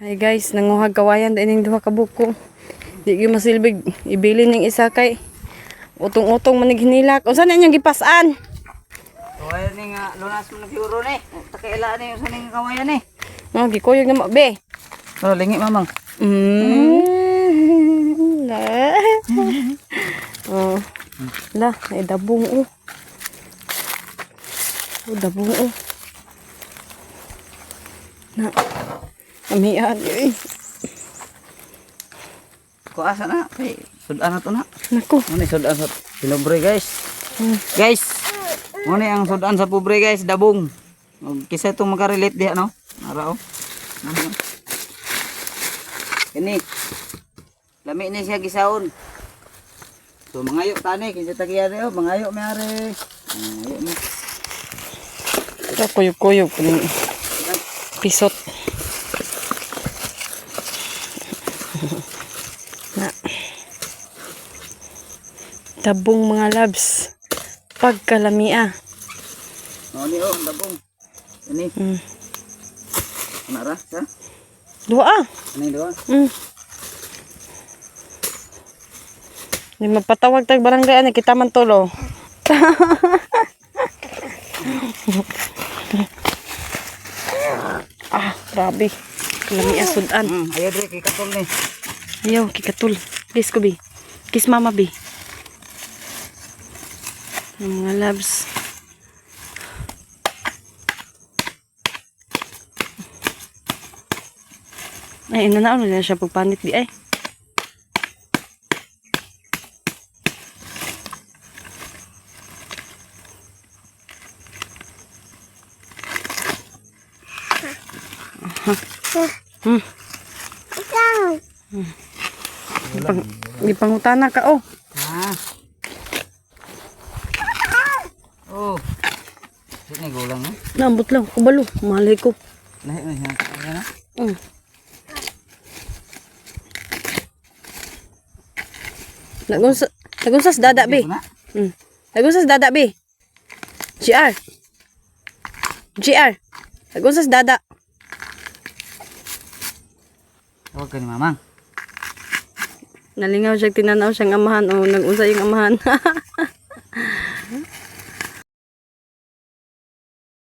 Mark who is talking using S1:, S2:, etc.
S1: Ay guys, nanguhag kawayan din ning duha ka buko. Di gyud masilbig ibili ning isa kay utong-utong manig hinilak. Unsa na inyong gipasan?
S2: Kawayan ni nga lunas mo nag-euro ni. Takaila ni usa ning kawayan ni.
S1: Oh, gikuyog na mo be.
S2: Oh, lingi mamang.
S1: La. Oh. La, ay dabong oh. Oh, dabong oh. Na. Amihan eh.
S2: Ko asa na? Hey, sudan na to na.
S1: Nako.
S2: Ano sudan sa pilobre guys? Guys, ano ang sudan sa pobre guys, dabong. Kisa itong makarelate diha no? Ara oh. Ini. Lami ni siya gisaon. So mangayo tani kinsa tagiya oh, mangayo mi are. Mangayo mi.
S1: Ito kuyog-kuyog kuning pisot. Na. Dabong mga labs. Pagkalamia.
S2: Oh ni oh, dabong. Ini. Nara sa?
S1: Dua.
S2: Ano yung doon?
S1: Di mapatawag tag barangay ani kita man tulo. Ah, grabe. Lami asudan.
S2: Ayaw dre kay katol ni.
S1: Ayaw, kikatul. Kiss ko, bi. Kiss mama, bi. Ang mga labs. Ay, inanaon na siya pagpanit, bi, ay. Gipangutana ka oh.
S2: Oh. Sini gulang ni.
S1: Nambot lang, kubalo, malay ko.
S2: Lahi na siya. Ayan na.
S1: Nagunsas dada be. Nagunsas dada be. GR. GR. Nagunsas dada.
S2: Tawag ka ni mamang.
S1: Nalingaw siya, tinanaw siyang amahan. O, nag-unsa yung amahan.